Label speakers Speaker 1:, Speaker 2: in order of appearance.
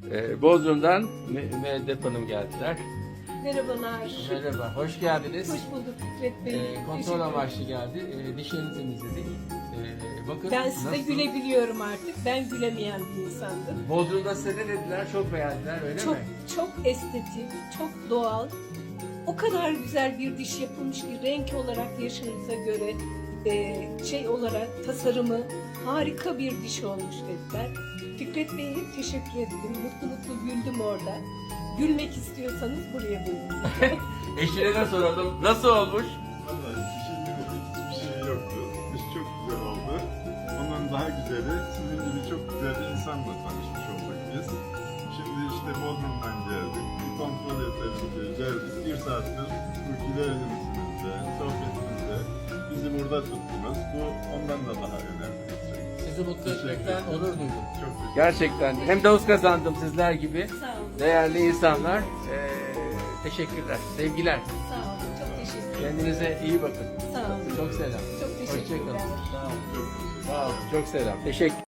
Speaker 1: Bodrum'dan Müeddep Hanım geldiler.
Speaker 2: Merhabalar.
Speaker 1: Merhaba, hoş geldiniz.
Speaker 2: Hoş bulduk Fikret Bey.
Speaker 1: Kontrol
Speaker 2: Teşekkür
Speaker 1: amaçlı geldi. Dişlerini temizledik. Bakın
Speaker 2: Ben size
Speaker 1: nasıl?
Speaker 2: gülebiliyorum artık. Ben gülemeyen bir insandım.
Speaker 1: Bodrum'da size ne dediler? Çok beğendiler, öyle
Speaker 2: Çok
Speaker 1: mi?
Speaker 2: çok estetik, çok doğal. O kadar güzel bir diş yapılmış ki renk olarak yaşınıza göre şey olarak tasarımı harika bir diş olmuş dediler. Fikret Bey'e hep teşekkür ettim. Mutlu mutlu güldüm orada. Gülmek istiyorsanız buraya buyurun.
Speaker 1: Eşine de soralım. Nasıl olmuş?
Speaker 3: Vallahi hiçbir şey yoktu. İş çok güzel oldu. Ondan daha güzeli sizin gibi çok güzel bir insanla tanışmış olduk biz. Şimdi işte Bodrum'dan geldik. Bir kontrol edelim diye geldik. Bir saattir bu gülerimizde, sohbetimizde bizi burada tuttunuz. Bu ondan da daha önemli.
Speaker 1: Sizi mutlu etmekten onur duydum.
Speaker 3: Çok teşekkür
Speaker 1: Gerçekten hem dost kazandım sizler gibi
Speaker 2: Sağ olun.
Speaker 1: değerli insanlar. Teşekkürler, sevgiler.
Speaker 2: Sağ olun. Çok teşekkür ederim.
Speaker 1: Kendinize iyi bakın.
Speaker 2: Sağ olun.
Speaker 1: Çok selam.
Speaker 2: Çok teşekkürler.
Speaker 1: Hoşçakalın. Sağ olun.
Speaker 3: ederim.
Speaker 1: Sağ olun. Çok selam. Teşekkür.